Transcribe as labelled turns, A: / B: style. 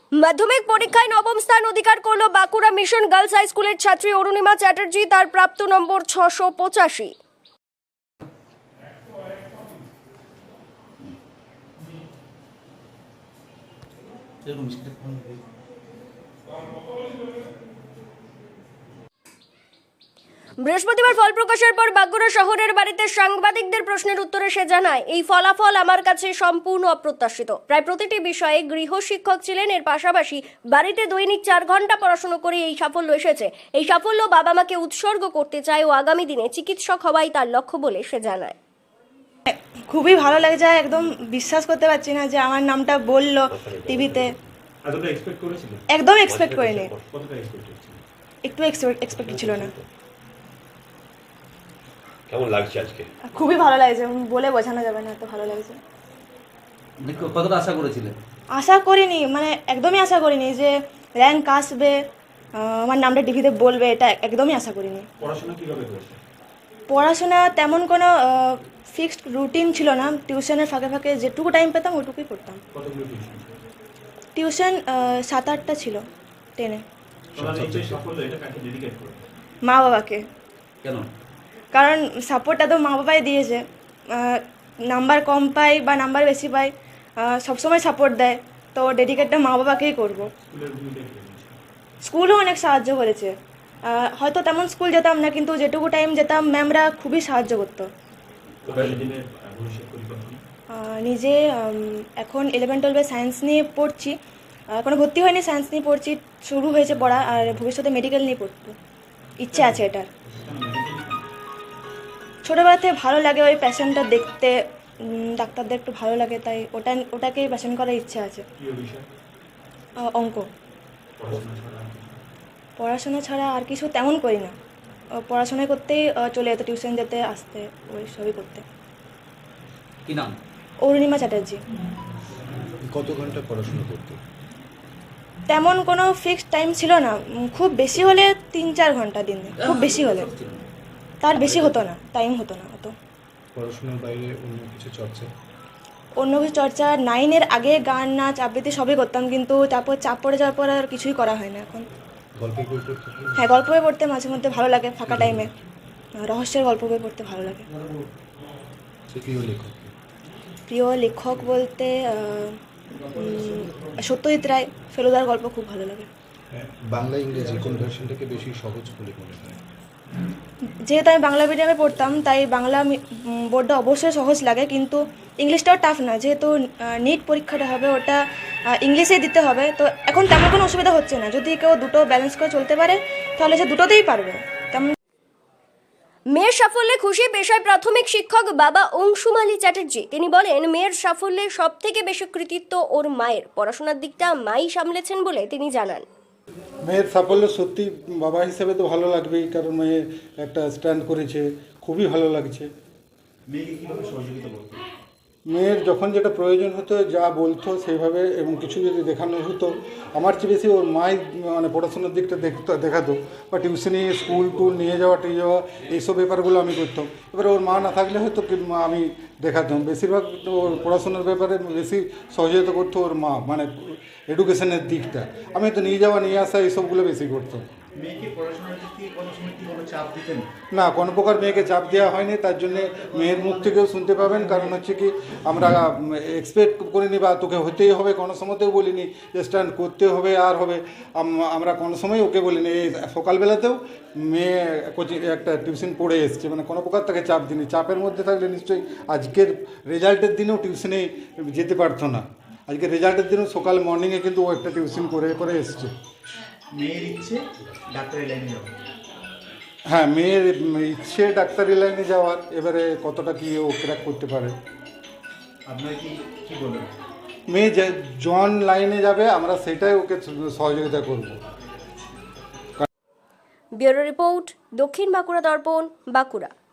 A: মাধ্যমিক পরীক্ষায় নবম স্থান অধিকার করলো বাঁকুড়া মিশন গার্লস হাই স্কুলের ছাত্রী অরুণিমা চ্যাটার্জি। তার প্রাপ্ত নম্বর 685। বৃহস্পতিবার ফল প্রকাশের পর বাঁকুড়া শহরের বাড়িতে সাংবাদিকদের প্রশ্নের উত্তরে সে জানায়, এই ফলাফল আমার কাছে সম্পূর্ণ অপ্রত্যাশিত। প্রায় প্রতিটি বিষয়ে গৃহশিক্ষক ছিলেন, এর পাশাপাশি বাড়িতে দৈনিক 4 ঘন্টা পড়াশোনা করে এই সাফল্য এসেছে। এই সাফল্য বাবা মাকে উৎসর্গ করতে চায় ও আগামী দিনে চিকিৎসক হওয়াই তার লক্ষ্য বলে সে জানায়।
B: খুবই ভালো লাগছে, একদম বিশ্বাস করতে পারছি না যে আমার নামটা বললো টিভিতে। একদম এক্সপেক্ট করিনি, একটু এক্সপেক্ট ছিল না।
C: কেমন লাগছে আজকে?
B: খুবই ভালো লাগছে, বলে বোঝানো যাবে না, এত ভালো লাগছে।
D: কতটা আশা করেছিলেন?
B: আশা করিনি, মানে একদমই আশা করিনি যে র্যাঙ্ক আসবে, আমার নামটা টিভিতে বলবে, এটা একদমই আশা করিনি।
C: পড়াশোনা কিভাবে করছে?
B: পড়াশোনা তেমন কোনো ফিক্সড রুটিন ছিল না, টিউশনের ফাঁকে ফাঁকে যেটুকু টাইম পেতাম ওইটুকুই করতাম।
C: কতগুলো টিউশন?
B: টিউশন 7-8টা ছিল 10-এ। মা বাবাকে।
D: কেন?
B: কারণ সাপোর্টটা তো মা বাবাই দিয়েছে। নাম্বার কম পাই বা নাম্বার বেশি পাই, সবসময় সাপোর্ট দেয়, তো ডেডিকেটটা মা বাবাকেই করবো। স্কুলও অনেক সাহায্য করেছে, হয়তো তেমন স্কুল যেতাম না, কিন্তু যেটুকু টাইম যেতাম ম্যামরা খুবই সাহায্য করতো। নিজে এখন 11-12 সায়েন্স নিয়ে পড়ছি, এখনো ভর্তি হয়নি, সায়েন্স নিয়ে পড়ছি, শুরু হয়েছে পড়া, আর ভবিষ্যতে মেডিকেল নিয়ে পড়তে ইচ্ছে আছে। এটার ছোটোবেলা থেকে ভালো লাগে, ওই প্যাশনটা দেখতে, ডাক্তারদের একটু ভালো লাগে, তাই ওটাকেই প্যাশন করার ইচ্ছে আছে। অঙ্ক। পড়াশোনা ছাড়া আর কিছু তেমন করি না, পড়াশোনা করতেই চলে যেত, টিউশন যেতে আসতে, ওই সবই করতে।
D: কি নাম?
B: অরুণিমা চ্যাটার্জি।
E: কত ঘন্টা পড়াশোনা করতে?
B: তেমন কোনো ফিক্সড টাইম ছিল না, খুব বেশি হলে 3-4 ঘন্টা দিনে, খুব বেশি হলে, তার বেশি হতো না, টাইম হতো না অত।
E: পড়াশোনার বাইরে অন্য কিছু চর্চা?
B: অন্য কিছু চর্চা 9-এর আগে গান নাচ আবৃত্তি সবই করতাম, কিন্তু তারপর চাপ পড়ে যাওয়ার পর আর কিছুই করা হয় না এখন।
E: গল্পের বই পড়তে?
B: হ্যাঁ, গল্প বই পড়তে মাঝে মধ্যে ভালো লাগে, ফাঁকা টাইমে রহস্যের গল্প বই পড়তে ভালো লাগে।
E: প্রিয় লেখক?
B: প্রিয় লেখক বলতে সত্যজিৎ রায়, ফেলুদার গল্প খুব ভালো লাগে।
E: বাংলা ইংরেজি কোন ভার্সনটাকে বেশি সহজ বলে মনে হয়?
B: যেহেতু আমি বাংলা মিডিয়ামে পড়তাম, তাই বাংলা বোর্ডটা অবশ্যই সহজ লাগে, কিন্তু ইংলিশটাও টাফ না, যেহেতু নিট পরীক্ষাটা হবে ওটা ইংলিশেই দিতে হবে, তো এখন তেমন কোনো অসুবিধা হচ্ছে না। যদি কেউ দুটো ব্যালেন্স করে চলতে পারে তাহলে সে দুটোতেই পারবে। তেমন
A: মেয়ের সাফল্যে খুশি পেশায় প্রাথমিক শিক্ষক বাবা অংশুমালী চ্যাটার্জি। তিনি বলেন, মেয়ের সাফল্যে সব থেকে বেশি কৃতিত্ব ওর মায়ের, পড়াশোনার দিকটা মাই সামলেছেন বলে তিনি জানান।
F: মেয়ের সাফল্য সত্যি বাবা হিসেবে তো ভালো লাগবেই, কারণ মেয়ে একটা স্ট্যান্ড করেছে, খুবই ভালো লাগছে।
C: মেয়েকে কিভাবে সহযোগিতা করতে?
F: মেয়ের যখন যেটা প্রয়োজন হতো যা বলতো সেইভাবে, এবং কিছু যদি দেখানো হতো, আমার চেয়ে বেশি ওর মাই মানে পড়াশোনার দিকটা দেখাতো, বা টিউশনি, স্কুল টুল নিয়ে যাওয়া এইসব ব্যাপারগুলো আমি করতাম। এবারে ওর মা না থাকলে হয়তো আমি দেখাতাম। বেশিরভাগ ওর পড়াশোনার ব্যাপারে বেশি সহযোগিতা করতো ওর মা, মানে এডুকেশনের দিকটা। আমি তো নিয়ে যাওয়া নিয়ে আসা এইসবগুলো বেশি করতাম।
C: মেয়েকে পড়াশোনার দিক থেকে কোনো সময় কি কোনো চাপ দিতেন?
F: না, কোনো প্রকার মেয়েকে চাপ দেওয়া হয়নি, তার জন্যে মেয়ের মুখ থেকেও শুনতে পাবেন। কারণ হচ্ছে কি, আমরা এক্সপেক্ট করিনি বা তোকে হতেই হবে, কোনো সময়তেও বলিনি যে স্ট্যান্ড করতে হবে আর হবে। আমরা কোনো সময় ওকে বলিনি। এই সকালবেলাতেও মেয়ে কোচিং একটা টিউশন পড়ে এসছে, মানে কোনো প্রকার তাকে চাপ দিইনি। চাপের মধ্যে থাকলে নিশ্চয়ই আজকের রেজাল্টের দিনেও টিউশনে যেতে পারতো না। আজকে রেজাল্টের দিনেও সকাল মর্নিংয়ে কিন্তু ও একটা টিউশন করে এসছে।
C: মেয়ের ইচ্ছে ডাক্তারি লাইনে যাওয়া?
F: হ্যাঁ, মেয়ের ইচ্ছে ডাক্তারি লাইনে যাওয়ার, এবারে কতটা কি ও ক্র্যাক করতে পারে।
C: আপনার কি বলবেন?
F: মেয়ে জন লাইনে যাবে, আমরা সেটাই ওকে সহযোগিতা করব।
A: ব্যুরো রিপোর্ট, দক্ষিণ বাঁকুড়া দর্পণ, বাঁকুড়া।